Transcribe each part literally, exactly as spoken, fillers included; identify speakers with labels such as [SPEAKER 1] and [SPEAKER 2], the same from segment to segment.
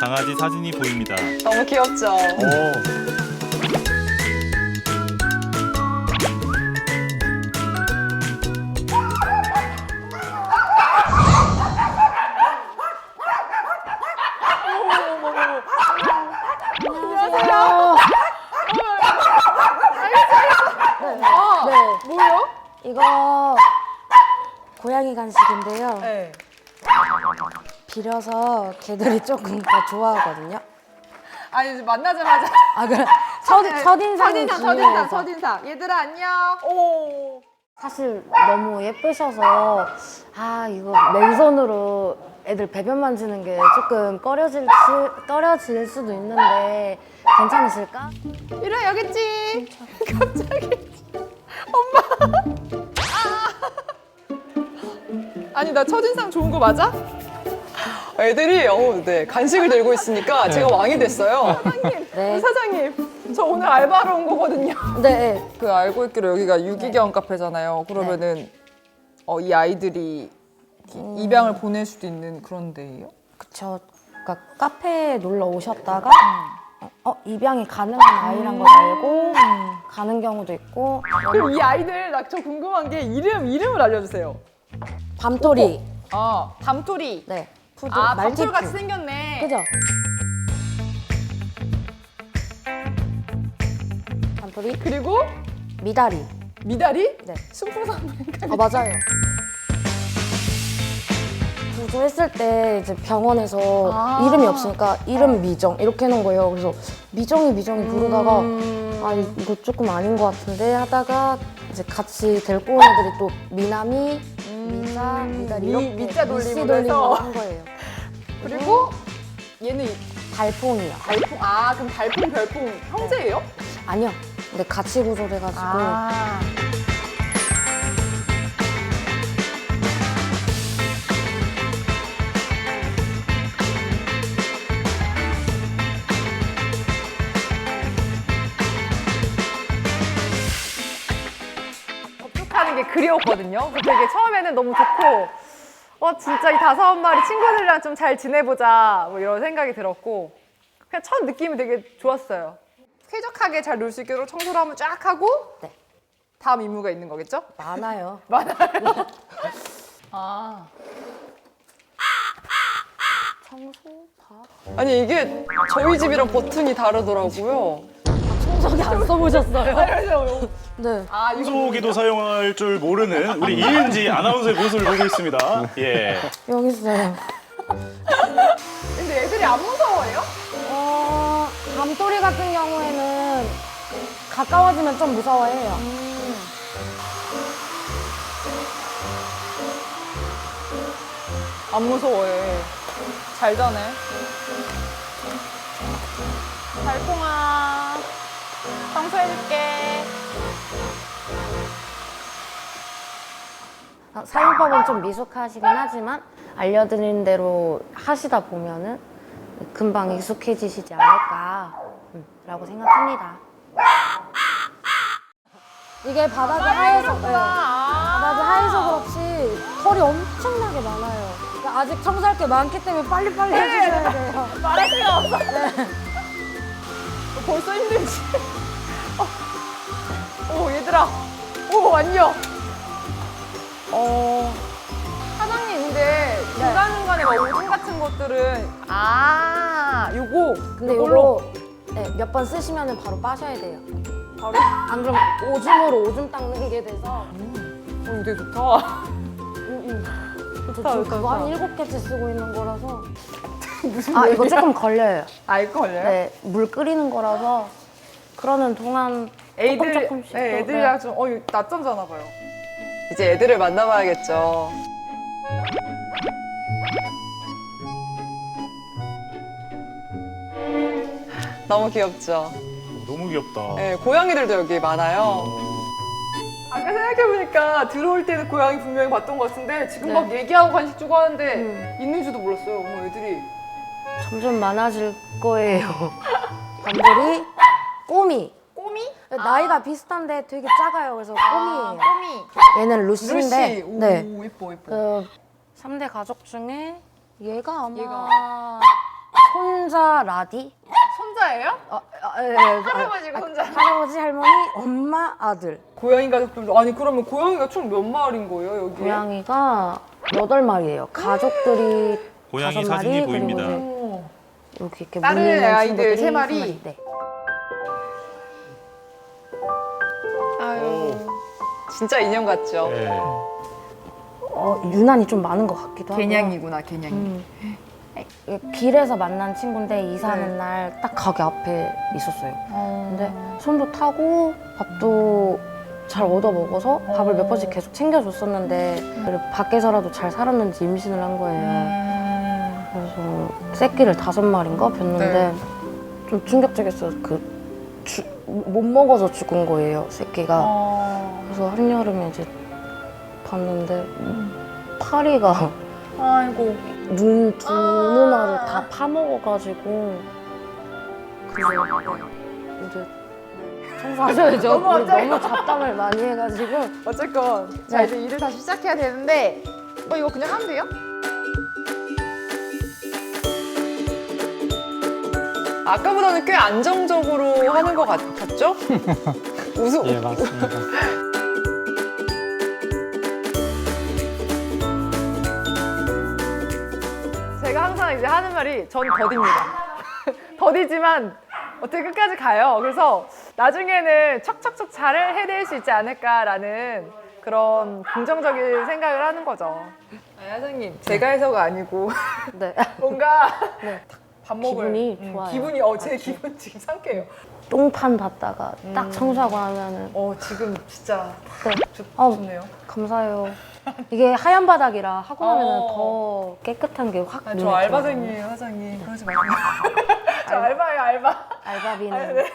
[SPEAKER 1] 강아지 사진이 보입니다.
[SPEAKER 2] 너무 귀엽죠?
[SPEAKER 3] 오.
[SPEAKER 4] 안녕하세요.
[SPEAKER 2] 아,
[SPEAKER 4] 네.
[SPEAKER 2] 뭐예요?
[SPEAKER 4] 이거 고양이 간식인데요.
[SPEAKER 2] 네.
[SPEAKER 4] 비려서 개들이 조금 더 좋아하거든요.
[SPEAKER 2] 아니, 이제 만나자마자.
[SPEAKER 4] 아 그래 첫,
[SPEAKER 2] 네.
[SPEAKER 4] 첫인상이
[SPEAKER 2] 첫인상, 첫인상,
[SPEAKER 4] 중요해서.
[SPEAKER 2] 첫인상. 얘들아, 안녕. 오.
[SPEAKER 4] 사실 너무 예쁘셔서 아 이거 맨손으로 애들 배변 만지는 게 조금 꺼려질, 수- 꺼려질 수도 있는데 괜찮으실까?
[SPEAKER 2] 이리 여기 있지. 갑자기. 엄마. 아. 아니, 나 첫인상 좋은 거 맞아? 애들이 어, 네, 간식을 들고 있으니까 제가 왕이 됐어요. 사장님,
[SPEAKER 4] 네.
[SPEAKER 2] 사장님, 저 오늘 알바로 온 거거든요.
[SPEAKER 4] 네.
[SPEAKER 2] 그 알고 있기로 여기가 유기견 카페잖아요. 그러면은 어, 이 아이들이
[SPEAKER 4] 음.
[SPEAKER 2] 입양을 보낼 수도 있는 그런 데예요?
[SPEAKER 4] 그쵸. 그러니까 카페에 놀러 오셨다가 어, 어, 입양이 가능한 아이란 걸 알고 가는 경우도 있고.
[SPEAKER 2] 그럼 이 아이들 나 저 궁금한 게 이름 이름을 알려주세요.
[SPEAKER 4] 밤토리.
[SPEAKER 2] 아, 밤토리.
[SPEAKER 4] 네. 푸드.
[SPEAKER 2] 아,
[SPEAKER 4] 말티푸.
[SPEAKER 2] 밤토리 같이 생겼네.
[SPEAKER 4] 그죠? 밤토리.
[SPEAKER 2] 그리고
[SPEAKER 4] 미다리.
[SPEAKER 2] 미다리?
[SPEAKER 4] 네.
[SPEAKER 2] 순풍산물인가?
[SPEAKER 4] 아 맞아요. 구조했을 때 이제 병원에서
[SPEAKER 2] 아.
[SPEAKER 4] 이름이 없으니까 이름 미정 이렇게 해놓은 거예요. 그래서 미정이 미정이 부르다가
[SPEAKER 2] 음.
[SPEAKER 4] 아 이거 조금 아닌 것 같은데 하다가 이제 같이 데리고 온 애들이 또 미남이, 미자, 미다리
[SPEAKER 2] 미-
[SPEAKER 4] 이렇게
[SPEAKER 2] 미자 돌림으로
[SPEAKER 4] 미씨 돌림으로
[SPEAKER 2] 해서.
[SPEAKER 4] 한 거예요.
[SPEAKER 2] 그리고 얘는 이-
[SPEAKER 4] 달팽이요.
[SPEAKER 2] 달풍. 아, 그럼 달풍 별풍 형제예요?
[SPEAKER 4] 아니요. 근데 같이 구조를 해가지고
[SPEAKER 2] 아. 접촉하는 게 그리웠거든요. 그래서 되게 처음에는 너무 좋고, 어 진짜 이 다섯 마리 친구들이랑 좀 잘 지내보자 뭐 이런 생각이 들었고, 그냥 첫 느낌이 되게 좋았어요. 쾌적하게 잘 놀 수 있도록 청소를 한번 쫙 하고
[SPEAKER 4] 네.
[SPEAKER 2] 다음 임무가 있는 거겠죠?
[SPEAKER 4] 많아요.
[SPEAKER 2] 아.
[SPEAKER 4] 청소, 밥.
[SPEAKER 2] 아니 이게 저희 집이랑 버튼이 다르더라고요.
[SPEAKER 4] 청소기 안 써보셨어요? 네.
[SPEAKER 2] 아 이거
[SPEAKER 3] 청소기도 사용할 줄 모르는 우리 이은지 아나운서의 모습을 보고 있습니다. 예.
[SPEAKER 4] 여기 있어요.
[SPEAKER 2] 근데 애들이 안 무서워해요?
[SPEAKER 4] 어, 밤토리 같은 경우에는 가까워지면 좀 무서워해요.
[SPEAKER 2] 안 무서워해. 잘 자네. 달콩아, 청소해줄게.
[SPEAKER 4] 아, 사용법은 좀 미숙하시긴 하지만 알려드린 대로 하시다 보면은 금방 익숙해지시지 않을까 음, 라고 생각합니다. 이게 바닥이 하얘서, 네, 바닥이 하얘서 그렇지 털이 엄청나게 많아요. 그러니까 아직 청소할 게 많기 때문에 빨리빨리 해주셔야 돼요.
[SPEAKER 2] 말할 수가 없어. 벌써 힘들지? 어. 오, 얘들아. 오, 안녕. 어. 사장님, 근데 중간중간에 막 오줌 같은 것들은. 아, 요거.
[SPEAKER 4] 근데
[SPEAKER 2] 요걸로.
[SPEAKER 4] 이거 네, 몇 번 쓰시면 바로 빠셔야 돼요.
[SPEAKER 2] 바로.
[SPEAKER 4] 안 그럼 오줌으로 오줌 닦는 게 돼서
[SPEAKER 2] 어, 이거 되게 좋다.
[SPEAKER 4] 음, 음. 저
[SPEAKER 2] 좋다,
[SPEAKER 4] 지금
[SPEAKER 2] 좋다,
[SPEAKER 4] 그거 한
[SPEAKER 2] 좋다.
[SPEAKER 4] 일곱 개째 쓰고 있는 거라서
[SPEAKER 2] 무슨
[SPEAKER 4] 아
[SPEAKER 2] 일이야?
[SPEAKER 4] 이거 조금 걸려요.
[SPEAKER 2] 아, 이거 걸려요?
[SPEAKER 4] 네, 물 끓이는 거라서 그러는 동안 조금 조금씩
[SPEAKER 2] 네,
[SPEAKER 4] 또,
[SPEAKER 2] 애들이랑 좀, 어, 이거 낮잠 자나 봐요. 이제 애들을 만나봐야겠죠. 너무 귀엽죠?
[SPEAKER 3] 너무 귀엽다.
[SPEAKER 2] 네, 고양이들도 여기 많아요. 아까 생각해보니까 들어올 때는 고양이 분명히 봤던 것 같은데 지금
[SPEAKER 4] 네.
[SPEAKER 2] 막 얘기하고 간식 주고 하는데
[SPEAKER 4] 음.
[SPEAKER 2] 있는지도 몰랐어요. 어머, 애들이.
[SPEAKER 4] 점점 많아질 거예요. 밤들이 꼬미.
[SPEAKER 2] 꼬미?
[SPEAKER 4] 나이가 비슷한데 되게 작아요. 그래서
[SPEAKER 2] 아,
[SPEAKER 4] 꼬미예요.
[SPEAKER 2] 꼬미.
[SPEAKER 4] 얘는 루시인데
[SPEAKER 2] 루시. 오,
[SPEAKER 4] 네.
[SPEAKER 2] 예뻐, 예뻐.
[SPEAKER 4] 그 삼 대 가족 중에 얘가 아마
[SPEAKER 2] 얘가.
[SPEAKER 4] 손자 라디.
[SPEAKER 2] 손자예요?
[SPEAKER 4] 어, 어, 예, 예, 예.
[SPEAKER 2] 할아버지가 손자.
[SPEAKER 4] 할아버지, 할머니, 엄마, 아들.
[SPEAKER 2] 고양이 가족들도 아니 그러면 고양이가 총 몇 마리인 거예요 여기?
[SPEAKER 4] 고양이가 여덟 마리예요. 가족들이
[SPEAKER 3] 고양이
[SPEAKER 4] 다섯
[SPEAKER 3] 사진이
[SPEAKER 4] 마리,
[SPEAKER 3] 보입니다.
[SPEAKER 4] 그리고
[SPEAKER 2] 오.
[SPEAKER 4] 이제 여기 이렇게
[SPEAKER 2] 다른
[SPEAKER 4] 무늬 있는
[SPEAKER 2] 아이들
[SPEAKER 4] 친구들이
[SPEAKER 2] 세 마리?
[SPEAKER 4] 네.
[SPEAKER 2] 아유 진짜 인형 같죠?
[SPEAKER 3] 네.
[SPEAKER 4] 어, 유난히 좀 많은 것 같기도 하고.
[SPEAKER 2] 개냥이구나 개냥이.
[SPEAKER 4] 음. 길에서 만난 친구인데 이사하는
[SPEAKER 2] 네.
[SPEAKER 4] 날 딱 가게 앞에 있었어요.
[SPEAKER 2] 어.
[SPEAKER 4] 근데 손도 타고 밥도 잘 얻어 먹어서 밥을 몇 번씩 계속 챙겨줬었는데 그리고 밖에서라도 잘 살았는지 임신을 한 거예요.
[SPEAKER 2] 음.
[SPEAKER 4] 그래서 새끼를 다섯 마리인가 뵀는데
[SPEAKER 2] 네.
[SPEAKER 4] 좀 충격적이었어요. 그 주, 못 먹어서 죽은 거예요, 새끼가.
[SPEAKER 2] 어.
[SPEAKER 4] 그래서 한여름에 이제 봤는데 파리가
[SPEAKER 2] 아이고.
[SPEAKER 4] 눈 두
[SPEAKER 2] 아.
[SPEAKER 4] 누나를 다 파먹어가지고 그래서 이제 청소하셔야죠.
[SPEAKER 2] 너무
[SPEAKER 4] 우리
[SPEAKER 2] 갑자기.
[SPEAKER 4] 너무 잡담을 많이 해가지고
[SPEAKER 2] 어쨌건 자
[SPEAKER 4] 네.
[SPEAKER 2] 이제 일을 다시 시작해야 되는데 어 이거 그냥 하면 돼요? 아까보다는 꽤 안정적으로 하는 것 같, 같죠? 웃음.
[SPEAKER 1] 예, 맞습니다.
[SPEAKER 2] 제가 항상 이제 하는 말이 전 더디입니다. 더디지만 어떻게 끝까지 가요. 그래서 나중에는 척척척 잘 해낼 수 있지 않을까라는 그런 긍정적인 생각을 하는 거죠. 아, 사장님, 제가 해서가 아니고
[SPEAKER 4] 네.
[SPEAKER 2] 뭔가
[SPEAKER 4] 네.
[SPEAKER 2] 밥 먹을
[SPEAKER 4] 기분이
[SPEAKER 2] 음,
[SPEAKER 4] 좋아요.
[SPEAKER 2] 기분이 어, 제 기분 지금 상쾌해요.
[SPEAKER 4] 똥판 봤다가 딱 청소하고 나면은
[SPEAKER 2] 어, 지금 진짜
[SPEAKER 4] 네.
[SPEAKER 2] 좋,
[SPEAKER 4] 어.
[SPEAKER 2] 좋네요.
[SPEAKER 4] 감사해요. 이게 하얀 바닥이라 하고 나면은
[SPEAKER 2] 어.
[SPEAKER 4] 더 깨끗한 게 확
[SPEAKER 2] 아,
[SPEAKER 4] 눈에
[SPEAKER 2] 저
[SPEAKER 4] 들어와요.
[SPEAKER 2] 알바생이에요, 사장님. 그러지 마세요. 저 알바예요, 알바.
[SPEAKER 4] 알바비는.
[SPEAKER 2] 아, 네.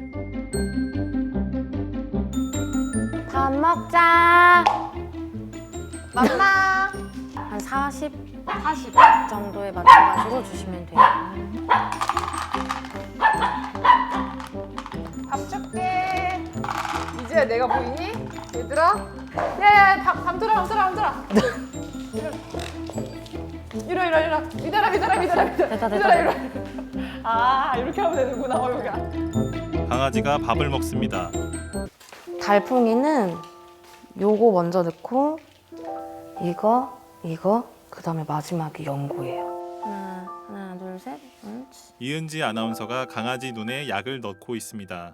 [SPEAKER 4] 밥 먹자.
[SPEAKER 2] 맘마.
[SPEAKER 4] 한 사십, 사십 정도에 맞춰가지고 주시면 돼요.
[SPEAKER 2] 밥 줄게. 이제야 내가 보이니? 얘들아? 야야, 밥, 밥 들어, 밥 들어, 밥 들어. 이러, 이러, 이러. 믿어라, 믿어라, 믿어라, 믿어라.
[SPEAKER 4] 됐다, 됐다,
[SPEAKER 2] 믿어라, 이러.
[SPEAKER 4] 됐다.
[SPEAKER 2] 아, 이렇게 하면 되는구나, 어, 여기가.
[SPEAKER 3] 강아지가 밥을 먹습니다.
[SPEAKER 4] 달팽이는 요거 먼저 넣고 이거, 이거, 그 다음에 마지막이 연고예요. 하나, 하나, 둘, 셋. 옳지.
[SPEAKER 3] 이은지 아나운서가 강아지 눈에 약을 넣고 있습니다.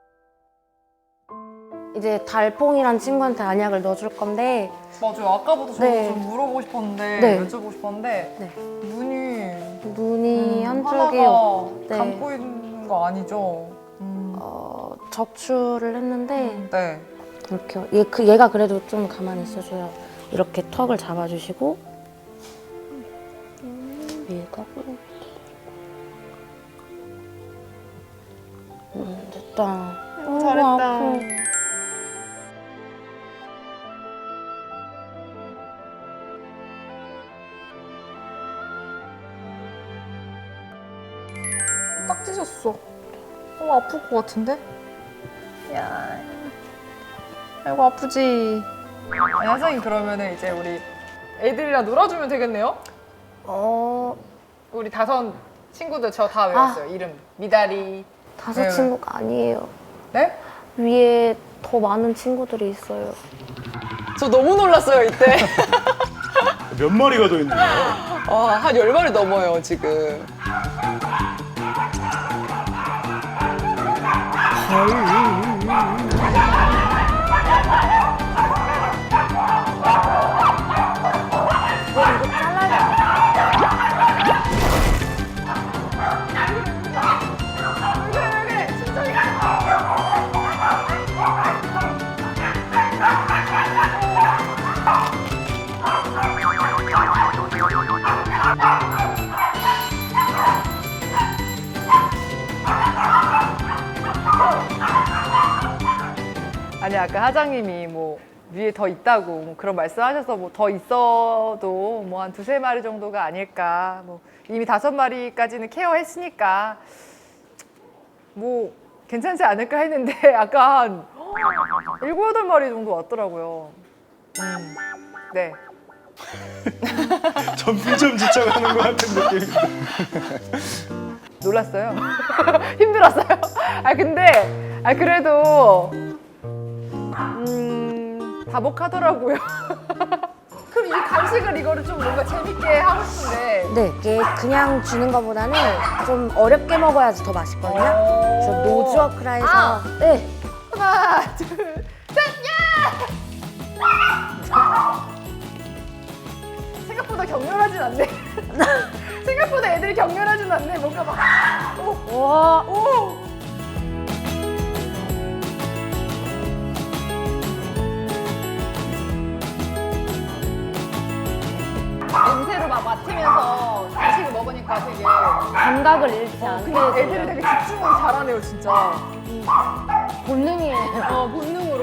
[SPEAKER 4] 이제 달팽이란 친구한테 안약을 넣어줄 건데
[SPEAKER 2] 맞아요. 아까부터 저도
[SPEAKER 4] 네.
[SPEAKER 2] 좀 물어보고 싶었는데,
[SPEAKER 4] 네.
[SPEAKER 2] 여쭤보고 싶었는데,
[SPEAKER 4] 네.
[SPEAKER 2] 눈이
[SPEAKER 4] 눈이
[SPEAKER 2] 음,
[SPEAKER 4] 한쪽이
[SPEAKER 2] 하나가
[SPEAKER 4] 네.
[SPEAKER 2] 감고 있는 거 아니죠? 음.
[SPEAKER 4] 어, 적출을 했는데
[SPEAKER 2] 네.
[SPEAKER 4] 이렇게 얘, 그, 얘가 그래도 좀 가만히 있어줘요. 이렇게 턱을 잡아주시고 얘가 음, 됐다. 어,
[SPEAKER 2] 잘했다.
[SPEAKER 4] 아파.
[SPEAKER 2] 딱 찢었어. 어, 아플 것 같은데? 야, 아이고 아프지. 아니, 선생님 그러면은 이제 우리 애들이랑 놀아주면 되겠네요?
[SPEAKER 4] 어,
[SPEAKER 2] 우리 다섯 친구들 저 다 외웠어요. 이름 미다리.
[SPEAKER 4] 다섯
[SPEAKER 2] 네.
[SPEAKER 4] 친구가 아니에요.
[SPEAKER 2] 네?
[SPEAKER 4] 위에 더 많은 친구들이 있어요.
[SPEAKER 2] 저 너무 놀랐어요 이때.
[SPEAKER 3] 몇 마리가 더 있는 거예요?
[SPEAKER 2] 아, 한 열 마리 넘어요 지금. 아니 아까 하장님이 뭐 위에 더 있다고 뭐 그런 말씀하셔서 뭐 더 있어도 뭐 한 두세 마리 정도가 아닐까. 뭐 이미 다섯 마리까지는 케어했으니까 뭐 괜찮지 않을까 했는데 아까 한 일곱 여덟 마리 정도 왔더라고요. 음, 네.
[SPEAKER 3] 점점 지쳐가는 것 같은 느낌입니다.
[SPEAKER 2] 놀랐어요. 힘들었어요. 아 근데 아 그래도 음 다복하더라고요. 그럼 이 간식을 이거를 좀 뭔가 재밌게 하고 싶은데.
[SPEAKER 4] 네, 이게 그냥 주는 것보다는 좀 어렵게 먹어야지 더 맛있거든요. 그래서 노즈워크라 해서
[SPEAKER 2] 아!
[SPEAKER 4] 네,
[SPEAKER 2] 하나, 둘, 셋, 야! 생각보다 격렬하진 않네. 생각보다 애들이 격렬하진 않네. 뭔가 막 오,
[SPEAKER 4] 와,
[SPEAKER 2] 오. 냄새로 막 맡으면서 간식을 먹으니까 되게
[SPEAKER 4] 감각을 잃지
[SPEAKER 2] 근데
[SPEAKER 4] 않게
[SPEAKER 2] 애들이 되게 집중을 잘하네요, 진짜.
[SPEAKER 4] 본능이에요.
[SPEAKER 2] 어, 본능으로.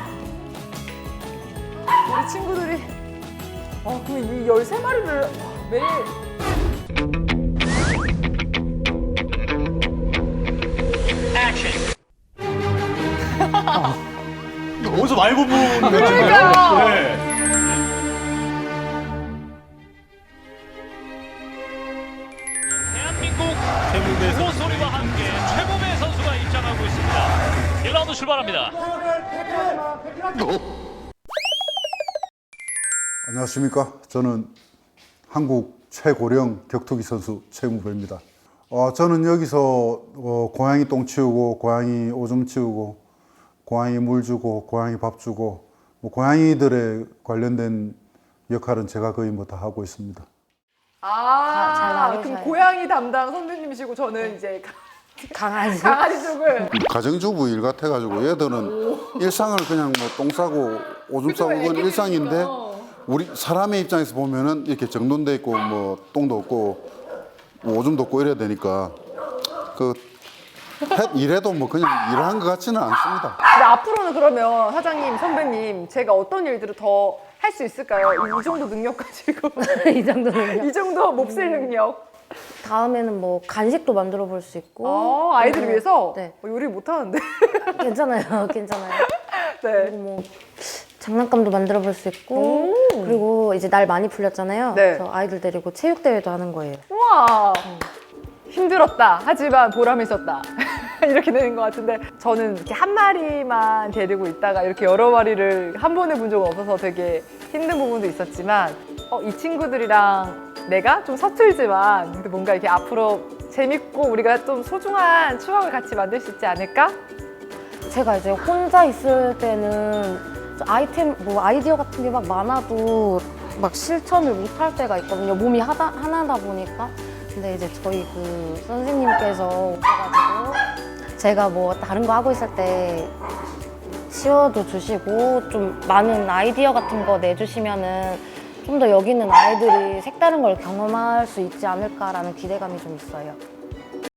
[SPEAKER 2] 우리 친구들이 아, 그럼 이 열세 마리를 매일
[SPEAKER 3] 어디서 많이 본 분 같은데요?
[SPEAKER 2] 그러니까요.
[SPEAKER 3] 네.
[SPEAKER 1] 대한민국 호소리와 함께 최고의 선수가 입장하고 있습니다. 일 라운드 출발합니다.
[SPEAKER 5] 안녕하십니까. 저는 한국 최고령 격투기 선수 최무배입니다. 어, 저는 여기서 어, 고양이 똥 치우고, 고양이 오줌 치우고, 고양이 물 주고, 고양이 밥 주고, 뭐 고양이들에 관련된 역할은 제가 거의 뭐 다 하고 있습니다.
[SPEAKER 2] 아,
[SPEAKER 4] 잘 나누셔요.
[SPEAKER 2] 그럼 고양이 담당 선배님이시고 저는 이제
[SPEAKER 4] 강아지.
[SPEAKER 2] 강아지 쪽을
[SPEAKER 5] 가정주부 일 같아가지고 얘들은 일상을 그냥 뭐 똥 싸고 오줌 싸고 그건 일상인데 우리 사람의 입장에서 보면은 이렇게 정돈돼 있고 뭐 똥도 없고 뭐 오줌도 없고 이래야 되니까 그 해- 이래도 뭐 그냥 일하는 것 같지는 않습니다.
[SPEAKER 2] 근데 앞으로는 그러면 사장님, 선배님 제가 어떤 일들을 더 할 수 있을까요? 이, 이 정도 능력 가지고
[SPEAKER 4] 이 정도는요.
[SPEAKER 2] 이 정도 몹쓸 능력.
[SPEAKER 4] 다음에는 뭐 간식도 만들어 볼 수 있고.
[SPEAKER 2] 아, 아이들을
[SPEAKER 4] 그리고-
[SPEAKER 2] 위해서
[SPEAKER 4] 네,
[SPEAKER 2] 어, 요리 못 하는데.
[SPEAKER 4] 괜찮아요, 괜찮아요.
[SPEAKER 2] 네.
[SPEAKER 4] 그리고 뭐 장난감도 만들어 볼 수 있고. 그리고 이제 날 많이 풀렸잖아요.
[SPEAKER 2] 네.
[SPEAKER 4] 그래서 아이들 데리고 체육 대회도 하는 거예요.
[SPEAKER 2] 우와. 힘들었다. 하지만 보람이 있었다. 이렇게 되는 것 같은데 저는 이렇게 한 마리만 데리고 있다가 이렇게 여러 마리를 한 번에 본 적은 없어서 되게 힘든 부분도 있었지만 어, 이 친구들이랑 내가 좀 서툴지만 근데 뭔가 이렇게 앞으로 재밌고 우리가 좀 소중한 추억을 같이 만들 수 있지 않을까?
[SPEAKER 4] 제가 이제 혼자 있을 때는 아이템, 뭐 아이디어 같은 게 막 많아도 막 실천을 못 할 때가 있거든요. 몸이 하다, 하나다 보니까. 근데 이제 저희 그 선생님께서 오셔가지고 제가 뭐 다른 거 하고 있을 때 치워도 주시고 좀 많은 아이디어 같은 거 내주시면은 좀 더 여기 있는 아이들이 색다른 걸 경험할 수 있지 않을까라는 기대감이 좀 있어요.